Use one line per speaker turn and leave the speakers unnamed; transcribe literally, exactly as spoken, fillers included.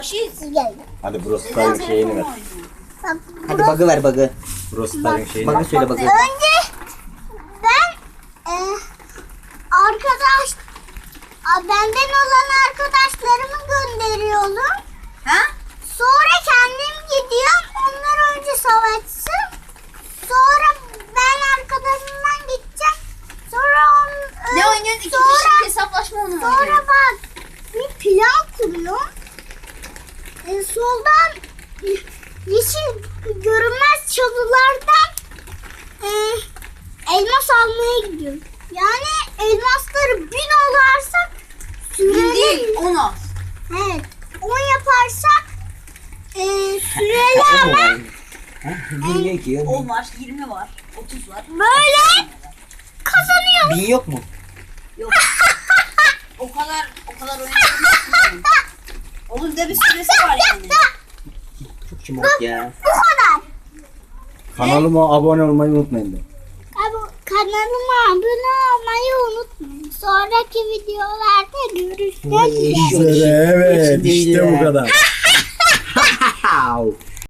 Hadi Brostar'ın şeyini ver.
Hadi bug'ı ver bug'ı.
Brostar'ın şeyini ver.
Bug'ı söyle bug'ı.
Önce ben e, arkadaş a, benden olan arkadaşlarımı gönderiyorum.
Ha?
Sonra kendim gidiyorum. Onlar önce savaşsın. Sonra ben arkadaşımdan gideceğim. Sonra on,
Ne
e,
oynuyorsun? İki
sonra,
kişilik hesaplaşma onu
Sonra
oynuyorum.
bak bir plan kuruyorum. E, soldan e, yeşil görünmez çalılardan e, elmas almaya gidiyorum. Yani elmasları bin olarsak
Bin
süreli.
değil, on az.
Evet. on yaparsak e, süreli ama
Bin yok ki.
on var, yirmi var, otuz var.
böyle kazanıyoruz.
Bin yok mu?
Yok. O kadar, o kadar oynayamıyorsun. Onun da bir süresi var yani.
Çok şımarık ya.
Bu kadar.
Kanalıma abone olmayı unutmayın de.
Abi, kanalıma abone olmayı unutmayın. Sonraki videolarda görüşmek üzere.
Eşi-
Evet
Eşi değil
işte
ya.
bu kadar.